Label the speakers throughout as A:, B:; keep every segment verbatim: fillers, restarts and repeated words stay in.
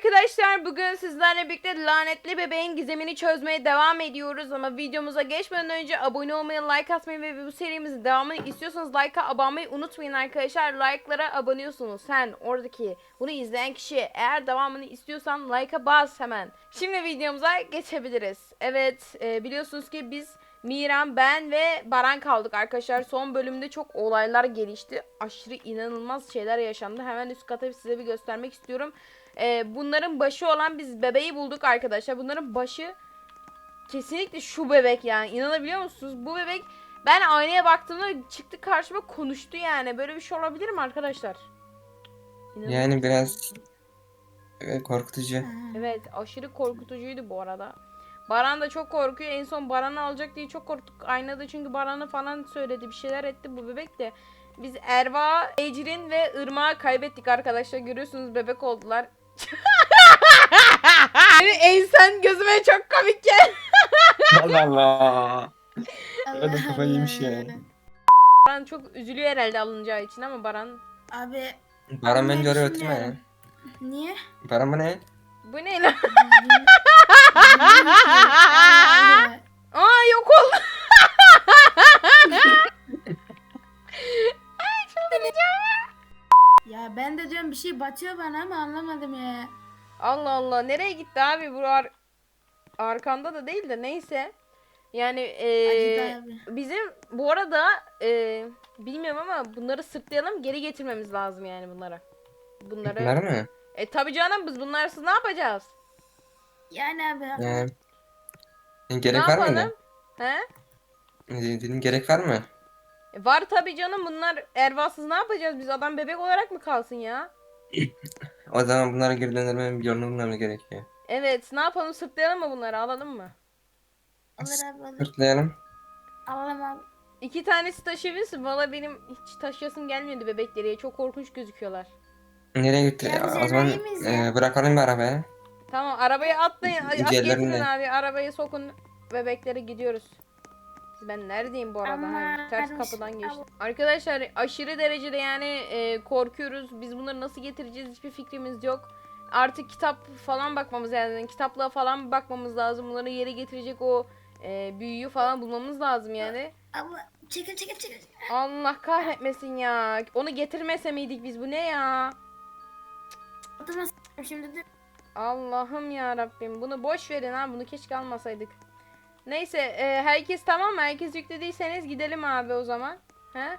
A: arkadaşlar, bugün sizlerle birlikte lanetli bebeğin gizemini çözmeye devam ediyoruz. Ama videomuza geçmeden önce abone olmayı, like atmayı ve bu serimizin devamını istiyorsanız like'a abone olmayı unutmayın arkadaşlar. Like'lara aboneliyorsunuz. Sen oradaki bunu izleyen kişi, eğer devamını istiyorsan like'a bas hemen. Şimdi videomuza geçebiliriz. Evet, e, biliyorsunuz ki biz Miran, ben ve Baran kaldık arkadaşlar. Son bölümde çok olaylar gelişti. Aşırı inanılmaz şeyler yaşandı. Hemen üst kata size bir göstermek istiyorum. Ee, bunların başı olan biz bebeği bulduk arkadaşlar. Bunların başı kesinlikle şu bebek yani. İnanabiliyor musunuz? Bu bebek, ben aynaya baktığımda çıktı karşıma, konuştu yani. Böyle bir şey olabilir mi arkadaşlar? İnanılmaz.
B: Yani biraz evet, korkutucu.
A: Evet, aşırı korkutucuydu bu arada. Baran da çok korkuyor. En son Baran'ı alacak diye çok korktuk. Aynada çünkü Baran'ı falan söyledi. Bir şeyler etti bu bebek de. Biz Erva, Ecrin ve Irmak'ı kaybettik arkadaşlar. Görüyorsunuz, bebek oldular. Benim ensen gözüme çok komik geldi.
B: Allah Allah. O da kafayı yemiş ya.
A: Baran çok üzülüyor herhalde alınacağı için, ama Baran...
C: Abi
B: Baran bence oraya oturma ya.
C: düşünüyorum. Niye?
B: Baran bu ne?
A: Bu ne lan?
C: Bilmiyorum ki. Abi.
A: Aa, yok oldu. Ay, çıldıracağım ya.
C: Ya ben de diyorum bir şey batıyor bana ama anlamadım ya.
A: Allah Allah, nereye gitti abi bu ar arkanda da değil de, neyse. Yani ee,
C: Acıdı abi.
A: bizim bu arada ee, bilmiyorum ama bunları sırtlayalım, geri getirmemiz lazım yani bunlara. Bunları.
B: Bunlar mı?
A: E tabi canım, biz bunlarsız ne yapacağız?
C: Yani abi.
B: Ee,
A: Ne
B: gerek var
A: yapalım?
B: mıydı?
A: He?
B: Dedim gerek var mı?
A: E, var tabi canım, bunlar ervasız ne yapacağız biz? Adam bebek olarak mı kalsın ya?
B: O zaman bunlara geri döndürmenin bir yolunu bulmamız gerekiyor.
A: Evet, ne yapalım, sırtlayalım mı bunları, alalım mı?
C: Alır abi alır.
B: Sırtlayalım.
C: Alalım abi.
A: İki tanesi taşıyabilirsin. Valla benim hiç taşıyasım gelmiyordu bebekleri. Çok korkunç gözüküyorlar.
B: Nereye gitti?
C: Ya biz
B: O zaman
C: enayi miyiz ya?
B: e, bırakalım bir arabaya.
A: Tamam, arabaya atlayın. Ay, at,
B: Diğerlerini
A: getirin
B: de.
A: abi. Arabaya sokun. Bebeklere gidiyoruz. Ben neredeyim bu arada?
C: Ama
A: Ha, ters
C: varmış.
A: kapıdan geçtim. Arkadaşlar, aşırı derecede yani e, korkuyoruz. Biz bunları nasıl getireceğiz, hiçbir fikrimiz yok. Artık kitap falan bakmamız lazım. Kitaplığa falan bakmamız lazım. Bunları yere getirecek o e, büyüyü falan bulmamız lazım yani.
C: Abla çekil çekil çekil.
A: Allah kahretmesin ya. Onu getirmese miydik biz? Bu ne ya?
C: Oturmasın şimdi de.
A: Allah'ım ya Rabbim. Bunu boş verin ha. Bunu keşke almasaydık. Neyse, e, herkes tamam mı? Herkes yüklediyseniz gidelim abi o zaman. He?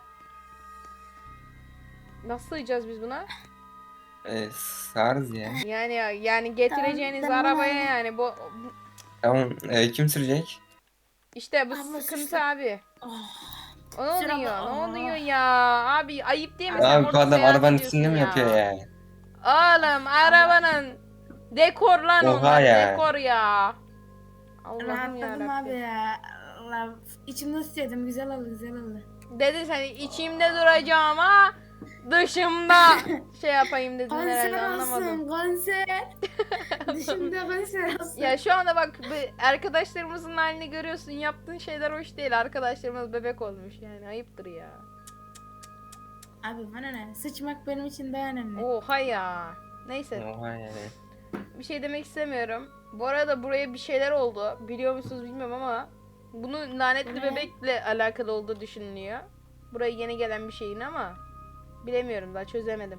A: Nasıl sığacağız biz buna?
B: E, sığarız ya.
A: Yani yani getireceğiniz
C: Tamam, tamam
A: arabaya
C: abi.
A: yani bu, bu-
B: Tamam. E, kim sürecek?
A: işte bu
C: Abla
A: sıkıntı
C: suçlu.
A: abi.
C: Oh.
A: O ne
C: Sür
A: oluyor?
C: abla,
A: Ne
C: oh.
A: oluyor ya? Abi ayıp değil mi? Sen
B: Abi bu
A: orada
B: adam
A: seyahat
B: arabanın
A: ediyorsun
B: üstünde mi
A: ya.
B: yapıyor ya?
A: Oğlum, arabanın dekor lan
B: Oha
A: onlar.
B: ya.
A: Dekor ya. Allah'ım ya
C: Rahatladım abi
A: Rabbim.
C: ya. Allah. İçimde istiyordum. Güzel oldu güzel oldu.
A: Dedi sen, içimde duracağım ha. Dışımda şey yapayım dedin herhalde,
C: Konser
A: anlamadım.
C: olsun konser. Dışımda konser olsun.
A: Ya şu anda bak, bu arkadaşlarımızın halini görüyorsun. Yaptığın şeyler hoş değil. Arkadaşlarımız bebek olmuş yani, ayıptır ya.
C: Abi bana ne? Sıçmak benim için daha önemli.
A: Oha ya. Neyse,
B: Oha yani.
A: bir şey demek istemiyorum. Bu arada buraya bir şeyler oldu. Biliyor musunuz bilmiyorum ama bunun lanetli
C: Ne?
A: bebekle alakalı olduğu düşünülüyor. Buraya yeni gelen bir şeyin ama bilemiyorum, daha çözemedim.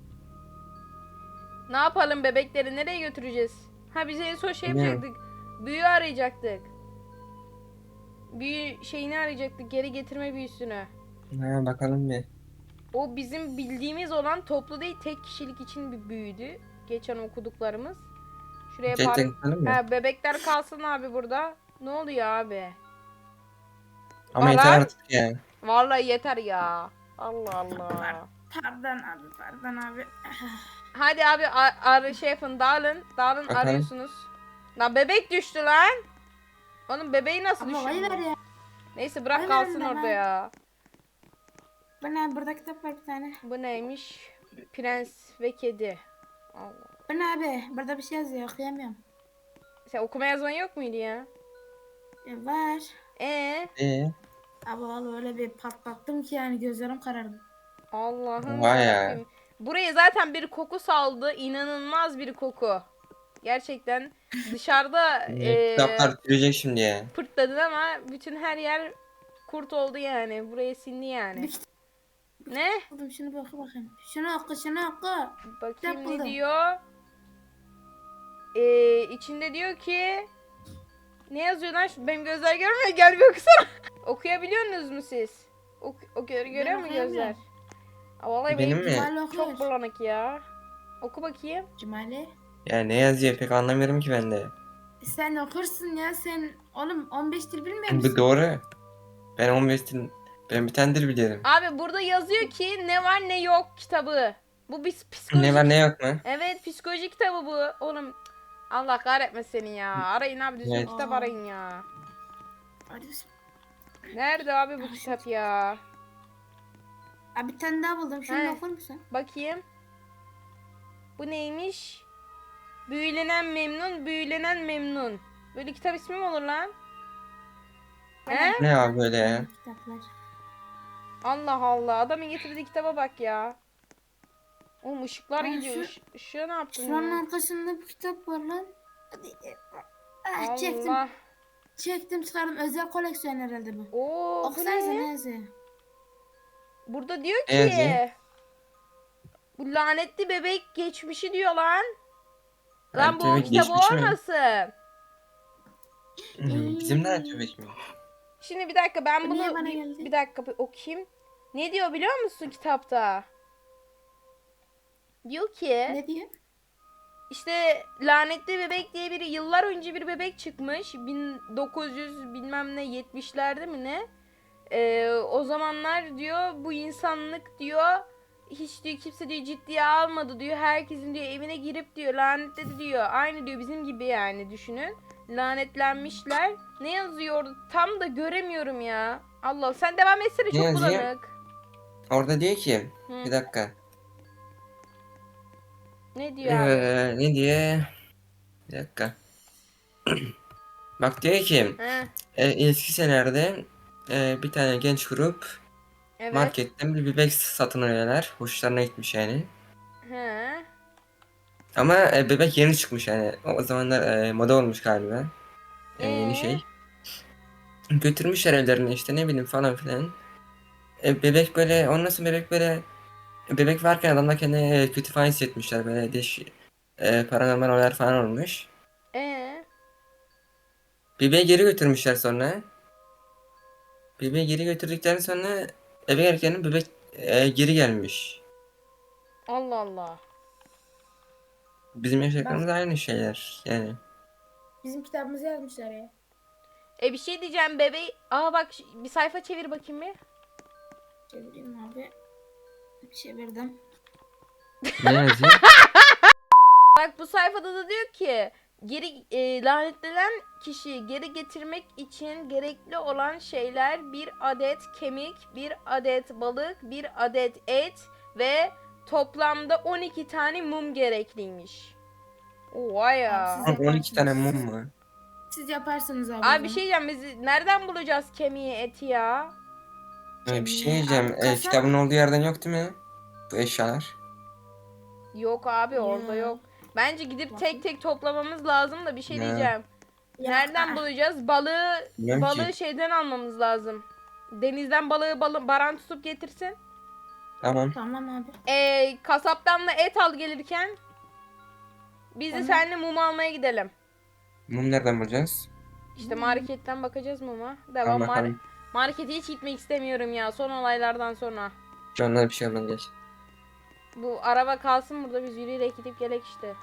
A: Ne yapalım, bebekleri nereye götüreceğiz? Ha, biz en son şey
B: Bilmiyorum.
A: yapacaktık. Büyü arayacaktık. Büyü şeyini arayacaktık, geri getirme büyüsünü.
B: Ha, bakalım bir.
A: O bizim bildiğimiz olan toplu değil, tek kişilik için bir büyüdü. Geçen okuduklarımız. Şuraya
B: Tek
A: par...
B: tek bakalım mı?
A: Ha, bebekler kalsın abi burada. Ne oluyor abi?
B: Ama yeter
A: Baran?
B: artık ya.
A: Vallahi yeter ya. Allah Allah.
C: Pardon abi pardon abi.
A: Hadi abi, ar, ar şey yapın, dağılın. Dağılın,
B: Bakalım.
A: arıyorsunuz. Lan bebek düştü lan. Onun bebeği nasıl
C: Abla vay ver
A: düşürdü?
C: ya.
A: Neyse, bırak
C: Vay
A: kalsın
C: verin
A: orada
C: bana.
A: ya.
C: Bu ne? Burada kitap var bir tane.
A: Bu neymiş? Prens ve kedi. Allah.
C: Bu ne abi? Burada bir şey yazıyor okuyamıyorum.
A: Sen okuma yazman yok muydu ya?
C: E, var.
A: Ee,
B: Ee,
C: Abi vallahi öyle bir patlattım ki yani gözlerim karardı.
A: Allah'ım
B: Vay ya.
A: yarabbim. Buraya zaten bir koku saldı. İnanılmaz bir koku. Gerçekten dışarıda eee
B: Kitaplar sürecek şimdi ya.
A: pırtladın ama bütün her yer kurt oldu yani. Buraya sindi yani.
C: Bir kitap
A: Ne?
C: buldum, şunu bir oku bakayım. Şunu oku, şunu oku.
A: Bakayım ne
C: buldum.
A: diyor? Ee, içinde diyor ki ne yazıyor lan? Şu- Benim gözler görmüyor. Gel bir okusana. Okuyabiliyorsunuz mu siz? Ok ok görüyor mu gözler?
C: okuyamıyorum.
A: Aa, vallahi
B: Benim
A: benim
B: mi?
C: Cumali okuyor.
A: çok bulanık ya. Oku bakayım.
C: Cumali.
B: Ya ne yazıyor pek anlamıyorum ki ben de.
C: Sen okursun ya, sen oğlum on beş dil bilmiyor
B: Bu
C: musun?
B: doğru. Ben on beş dil, ben bir tane dil biliyorum.
A: Abi burada yazıyor ki ne var ne yok kitabı. Bu bir psikolojik.
B: Ne var ne yok mu?
A: Evet, psikoloji kitabı bu. Oğlum Allah kahretmesin seni ya. Arayın abi, düzgün
B: Evet.
A: kitap arayın ya.
C: Hadi biz-
A: Nerede abi bu kitap ya?
C: Abi bir tane daha buldum. Şunu
A: He.
C: da okur musun?
A: Bakayım. Bu neymiş? Büyülenen memnun, büyülenen memnun. Böyle kitap ismi mi olur lan? He?
B: Ne abi böyle ya?
C: Kitaplar.
A: Allah Allah. Adamın getirdiği kitaba bak ya. Oğlum ışıklar
C: Aa,
A: gidiyor.
C: şu-
A: Iş, ışığa ne yaptın
C: Şuranın
A: ya?
C: arkasında bir kitap var lan. Hadi. Ah, çektim.
A: Allah.
C: Çektim çıkardım. Özel koleksiyon herhalde bu.
A: Oo, bu
C: Okusanıza
A: ne?
C: ne yazıyor?
A: Burada diyor
B: Ne yazıyor?
A: ki bu lanetli bebek geçmişi diyor lan. Lan
B: Lanetli
A: bu
B: bebek
A: kitap
B: geçmişi mi?
A: olmasın.
B: Hmm, Bizim de tübek mi?
A: Şimdi bir dakika ben
C: Bu niye
A: bunu
C: bana
A: bir,
C: geldi?
A: bir dakika bir okuyayım. Ne diyor biliyor musun kitapta? Diyor ki
C: Ne diyor?
A: işte lanetli bebek diye bir yıllar önce bir bebek çıkmış. bin dokuz yüz bilmem ne yetmişlerde mi ne? Ee, o zamanlar diyor bu insanlık diyor hiç diyor kimse diyor ciddiye almadı diyor. Herkesin diyor evine girip diyor lanetledi diyor. Aynı diyor bizim gibi yani düşünün. Lanetlenmişler. Ne yazıyor orada? Tam da göremiyorum ya. Allah sen devam etsene
B: Ne
A: çok
B: yazıyor?
A: bulanık.
B: Orada diyor ki,
A: Hı.
B: bir dakika.
A: Ne diyor abi?
B: Ee, ne diye? Bir dakika. Bak diyor ki,
A: He,
B: e, eski senelerde e, bir tane genç grup
A: evet.
B: marketten bir bebek satın alıyorlar. Hoşlarına gitmiş yani.
A: He.
B: Ama e, bebek yeni çıkmış yani. O zamanlar e, moda olmuş galiba. E, yeni
A: Ee?
B: şey. Götürmüşler evlerine işte ne bileyim falan filan. E, bebek böyle, ondan sonra bebek böyle, bebek varken adamlar kendine e, kötü falan hissetmişler. Böyle değiş, e, paranormal olaylar falan olmuş.
A: Ee?
B: Bebeği geri götürmüşler sonra. Bebeği geri götürdükten sonra eve gelirken bebek e, geri gelmiş.
A: Allah Allah.
B: Bizim yaşadıklarımız aynı şeyler yani.
C: Bizim kitabımızı yazmışlar ya.
A: E bir şey diyeceğim bebeği. Aa bak ş- bir sayfa çevir bakayım bir.
C: Çevireyim abi. Çevirdim.
B: Ne yazıyor?
A: Bak bu sayfada da diyor ki geri e, lanetlenen kişiyi geri getirmek için gerekli olan şeyler bir adet kemik, bir adet balık, bir adet et ve toplamda on iki tane mum gerekliymiş. Oha ya.
C: Abi siz-
B: on iki tane mum mu?
C: Siz yaparsınız abi.
A: Abi bir şey diyeceğim biz nereden bulacağız kemiği eti ya?
B: E, bir şey
C: Kemiği,
B: diyeceğim.
C: abi
B: E,
C: kasa-
B: kitabın olduğu yerden yok değil mi? Bu eşyalar.
A: Yok abi orada
C: Ya.
A: yok. Bence gidip
C: Bakın.
A: tek tek toplamamız lazım da bir şey
B: Ya.
A: diyeceğim.
C: Ya,
A: Nereden
C: aa,
A: bulacağız? Balığı
B: Bilmiyorum
A: balığı
B: ki.
A: şeyden almamız lazım. Denizden balığı balı, baran tutup getirsin.
B: Tamam.
C: Tamam abi.
A: Ee, kasaptan da et al gelirken. Biz de
C: Tamam.
A: seninle mum almaya gidelim.
B: Mum nereden bulacağız?
A: İşte marketten bakacağız muma. Devam.
B: Tamam
A: Mar-
B: bakalım.
A: markete hiç gitmek istemiyorum ya son olaylardan sonra.
B: Şu anda bir şey olmaz geç.
A: Bu araba kalsın burada biz yürüyerek gidip gelek işte.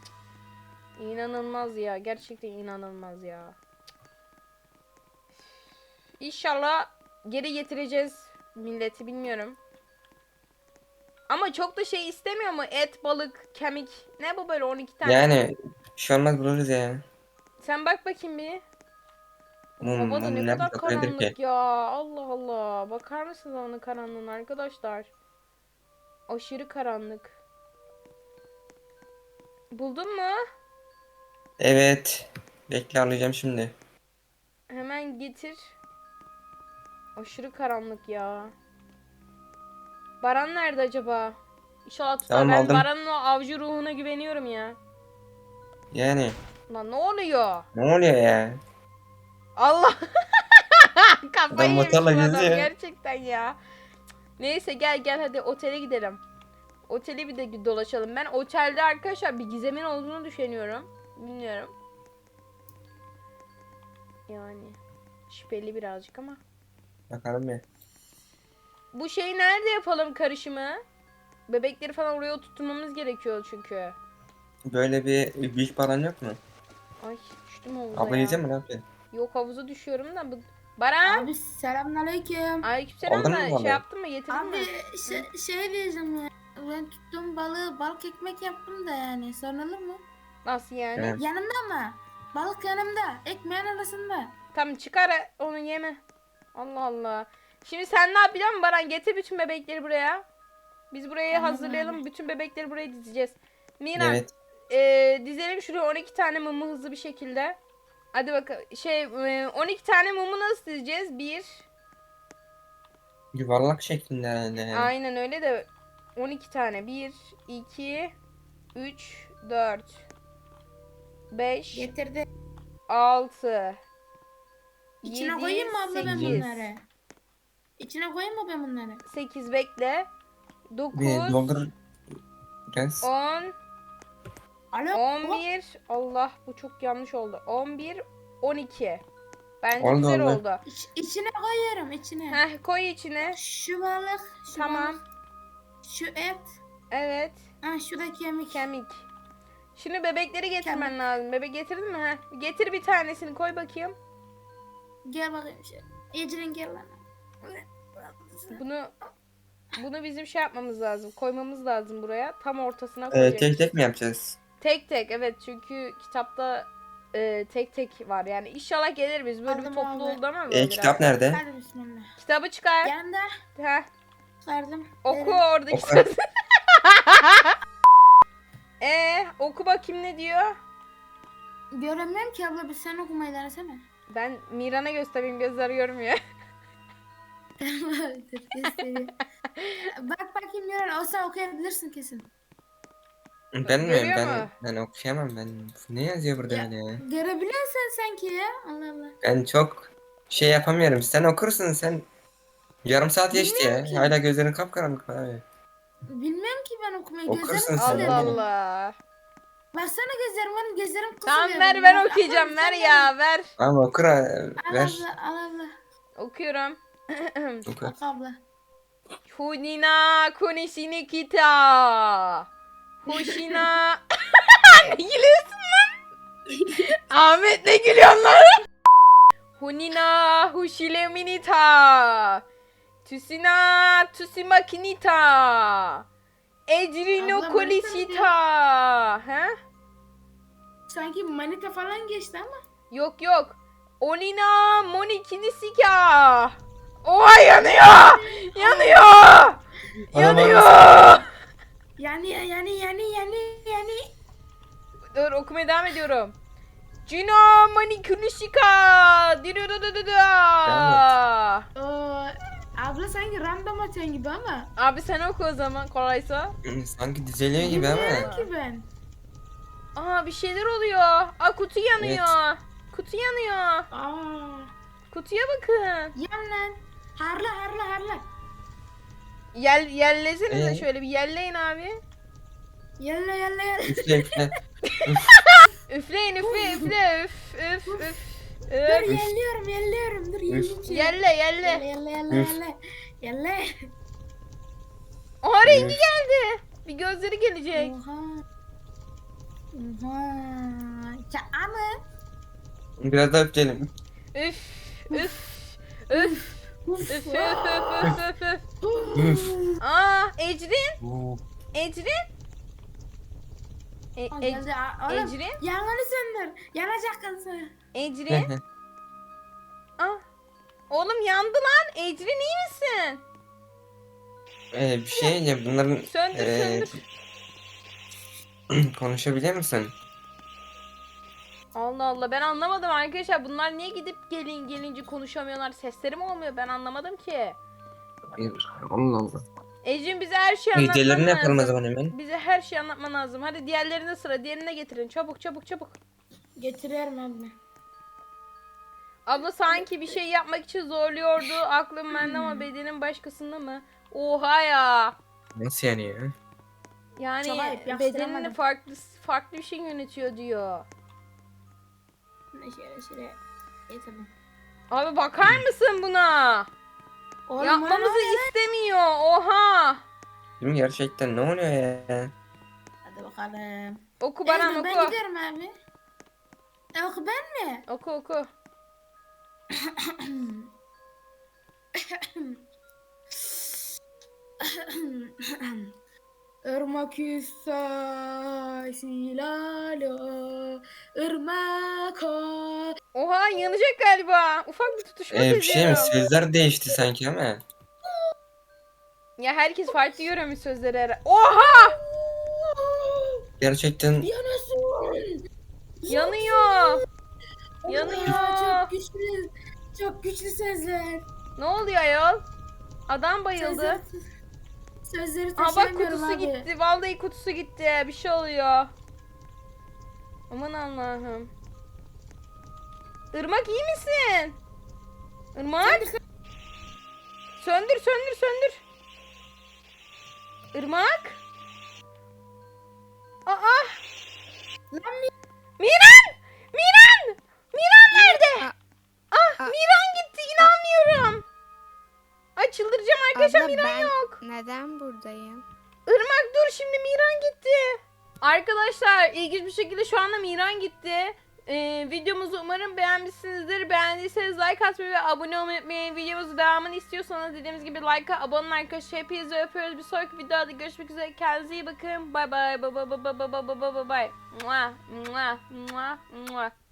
A: İnanılmaz ya. Gerçekten inanılmaz ya. İnşallah geri getireceğiz milleti bilmiyorum. Ama çok da şey istemiyor mu? Et, balık, kemik. Ne bu böyle on iki tane?
B: Yani bir şey olmaz buluruz ya.
A: Sen bak bakayım bir.
B: Mum,
A: Hava da
B: mum
A: ne
B: nerede
A: kadar
B: saklanabilir
A: karanlık
B: ki?
A: ya. Allah Allah. Bakar mısınız havanın karanlığına arkadaşlar? Aşırı karanlık. Buldun mu?
B: Evet. Bekle alacağım şimdi.
A: Hemen getir. Aşırı karanlık ya. Baran nerede acaba? İnşallah tutar.
B: Tamam,
A: Ben
B: aldım.
A: Baran'ın o avcı ruhuna güveniyorum ya.
B: Yani
A: Lan ne oluyor?
B: ne oluyor ya?
A: Allah.
B: Adam
A: Kafayı yemiş bu
B: motorla
A: adam
B: geziyor.
A: gerçekten ya. Neyse gel gel hadi otele gidelim. Oteli bir de dolaşalım. Ben otelde arkadaşlar bir gizemin olduğunu düşünüyorum. Bilmiyorum. Yani şüpheli birazcık ama.
B: Bakalım ya.
A: Bu şeyi nerede yapalım karışımı? Bebekleri falan oraya oturtmamız gerekiyor çünkü.
B: Böyle bir büyük bir alan yok mu?
A: Ay düştüm havuza
B: Abla
A: ya.
B: yiyecek mi ne yapıyorsun?
A: Yok havuza düşüyorum da bu. Baran.
C: Abi selamünaleyküm.
A: Aleykümselam
B: Aldın
A: da
B: mı balığı?
A: şey yaptın mı getirdin
C: Abi
A: mi?
C: şey, şey diyeceğim ya. Ben tuttuğum balığı balık ekmek yaptım da yani. Sorulur mu?
A: Nasıl yani?
B: Evet.
C: Yanımda mı? Balık yanımda. Ekmeğin arasında.
A: Tamam çıkar onu yeme. Allah Allah. Şimdi sen ne yapacaksın Baran? Getir bütün bebekleri buraya. Biz burayı
C: Tamam
A: hazırlayalım.
C: abi.
A: Bütün bebekleri buraya dizeceğiz. Mina
B: Evet.
A: e, dizelim şuraya on iki tane mumu hızlı bir şekilde. Hadi bakalım. Şey e, on iki tane mumu nasıl dizeceğiz? Bir.
B: Yuvarlak şeklinde herhalde yani.
A: Aynen öyle de on iki tane. bir, iki, üç, dört, beş,
C: Getirdi.
A: altı,
C: İçine koyayım mı abla ben
A: sekiz.
C: bunları? İçine koyayım mı ben bunları?
A: sekiz bekle.
B: Bir
A: dokuz,
B: doldur biraz.
A: on,
C: Alo.
A: on bir. Allah bu çok yanlış oldu. on bir, on iki. Bence
B: Oldu,
A: güzel
B: oldu.
A: oldu.
C: İç, içine koyuyorum içine.
A: Heh koy içine.
C: Şu balık. Şu
A: Tamam.
C: balık, şu et.
A: Evet.
C: Ha şu da kemik.
A: Kemik. Şimdi bebekleri getirmen
C: Kemik.
A: lazım. Bebek getirdin mi? Heh. Getir bir tanesini koy bakayım.
C: Gel bakayım şey. Ecrin gel lan.
A: Bunu bunu bizim şey yapmamız lazım. Koymamız lazım buraya. Tam ortasına
B: Ee,
A: koyacağız.
B: tek tek mi yapacağız?
A: Tek tek evet çünkü kitapta e, tek tek var yani inşallah gelir biz böyle bir
C: Aldım
A: toplu
C: abi.
A: oldu ama böyle
B: Ee,
A: biraz.
B: kitap nerede?
C: Hadi bismillah.
A: Kitabı çıkar.
C: Yanında.
A: Heh,
C: Çıkardım.
A: oku
C: Verin.
A: oradaki
B: Oku.
A: sözü. Ee, oku bakayım ne diyor?
C: Göremiyorum ki abla bir sen okumayı denesene.
A: Ben Miran'a göstereyim gözleri görmüyor.
C: Dur, göstereyim. Bak bakayım Miran olsa okuyabilirsin kesin.
B: Ben mi?
A: Görüyor
B: Ben,
A: mu?
B: ben okuyamam ben. Ne yazıyor burada
C: Ya.
B: öyle ya?
C: Görebiliyorsun sanki ya. Allah Allah.
B: Ben çok şey yapamıyorum. Sen okursun sen. Yarım saat geçti
C: Bilmiyorum
B: ya.
C: ki.
B: Hala gözlerin kapkaranlık abi.
C: Bilmiyorum ki ben okumayı.
B: Okursun
C: Gözlerim
B: sen,
C: kısılıyor
A: Allah
B: değil mi?
C: benim.
A: Allah.
C: Baksana gözlerim benim gözlerim kısılıyor.
A: Tamam ver
C: benim.
A: ben
C: Bak,
A: okuyacağım
C: abla,
A: ver
C: sen
A: ya ver.
B: Ama okur ha,
C: Al
B: ver.
C: abla al abla.
A: Okuyorum.
B: Oku.
C: Bak abla.
A: Hunina kunishini kita. Hushina. Ne gülüyorsun lan? Ahmet ne gülüyorsun lan? Hunina hushile minita. Tusina tusimakinita. Ecrino
C: Abla,
A: kolisita. Ha?
C: Sanki manita falan geçti ama.
A: Yok yok. Onina monikinisika. Oha yanıyor. Yanıyor. Yanıyor.
C: Yani yani yani yani yani.
A: Dur okumaya devam ediyorum. Cino manikunisika.
C: Oo, abla sanki random atıyorsun gibi ama.
A: Abi sen oku o zaman kolaysa.
B: Sanki dizeliyor gibi
C: Bilmiyorum
B: ama.
C: ki ben.
A: Aa bir şeyler oluyor. Aa kutu yanıyor. Kutu yanıyor.
C: Aa,
A: Kutuya bakın.
C: yan lan. Harla harla harla.
A: Yel yellesenize
B: Ee?
A: şöyle bir yelleyin abi.
C: Yalla yalla yalla.
B: Üfle üfle.
A: Üfleyin üfle üfle üf üf üf.
C: Dur
A: üf.
C: yelliyorum yelliyorum. Dur yelleyeyim seni.
A: Yelle
C: Yalla
A: yelle.
C: yalla yalla
B: Üf.
C: yalla. Yalla.
A: Oha rengi
B: Üf.
A: geldi. Bir gözleri gelecek.
C: Oha. Oha. Ya ama.
B: Biraz daha üfleyelim.
A: Üf üf üf.
C: Uf.
A: Üf üf üf üf üf üf. Aa Ecrin.
B: Oo.
A: Ecrin. E,
C: Aa,
A: e,
C: geldi. Aa, Oğlum
A: Ecrin.
C: yangını söndür. Yanacak kızı.
A: Ecrin. Aa. Oğlum yandı lan. Ecrin iyi misin?
B: Ee, bir şey diyeceğim. Bunların
A: Söndür
B: ee,
A: söndür.
B: konuşabilir misin?
A: Allah Allah ben anlamadım arkadaşlar. Bunlar niye gidip gelin gelince konuşamıyorlar? Sesleri mi olmuyor? Ben anlamadım ki.
B: Hayır. Allah Allah.
A: Ecin bize her şeyi anlatman
B: Diğerlerini yapalım o
A: lazım.
B: zaman hemen.
A: Bize her şeyi anlatman lazım. Hadi diğerlerine sıra. Diğerine getirin. Çabuk çabuk çabuk.
C: Getiriyorum abla.
A: Abla sanki bir şey yapmak için zorluyordu. Aklım bende ama bedenim başkasında mı? Oha ya.
B: Nasıl yani ya?
A: Yani
C: Çok ayıp,
A: bedenini
C: yakıştıramadım.
A: farklı farklı bir şey yönetiyor diyor.
C: Şöyle şöyle. İyi tamam.
A: Abi bakar mısın buna?
C: Oğlum,
A: Yapmamızı
C: bana ne lan?
A: istemiyor. Oha.
B: Değil mi gerçekten ne oluyor ya?
C: Hadi bakalım.
A: Oku
C: Evet,
A: bana
C: ben
A: oku.
C: gidiyorum abi. E, oku ben mi?
A: Oku oku.
C: Irmak yüzsa silalo, ırmak o.
A: Oha yanacak galiba. Ufak bir tutuşma
B: Ee, bir şey mi?
A: seziyorum.
B: Sözler değişti sanki ama.
A: Ya herkes farklı görüyormuş sözleri. her- Oha!
B: Gerçekten
C: Yanasın.
A: Yanıyor.
C: Ya,
A: Yanıyor.
C: çok güçlü, çok güçlü sözler.
A: Ne oluyor ayol? Adam bayıldı.
C: Sözleri, sözleri
A: Aa bak
C: taşıyamıyorum
A: kutusu
C: abi.
A: gitti. Vallahi kutusu gitti. Bir şey oluyor. Aman Allah'ım. Irmak iyi misin? Irmak? Söndür söndür söndür. Irmak? Aa!
C: Lan mi-
A: Miran! Miran! Miran nerede?
D: Aa,
A: Ah
D: aa.
A: Miran gitti inanmıyorum. Ay çıldıracağım arkadaşlar
D: Abla
A: Miran
D: ben
A: yok.
D: neden buradayım?
A: Irmak dur şimdi Miran gitti. Arkadaşlar ilginç bir şekilde şu anda Miran gitti. Ee, videomuzu umarım beğenmişsinizdir. Beğendiyseniz like atmayı ve abone olmayı unutmayın. Videomuzun devamını istiyorsanız dediğimiz gibi like'a abone olun arkadaşlar. Hepinizi öpüyoruz. Bir sonraki videoda görüşmek üzere. Kendinize iyi bakın. Bay bay. Bay bay bay bay bay bay bay bay bay. Mua, mua, mua, mua.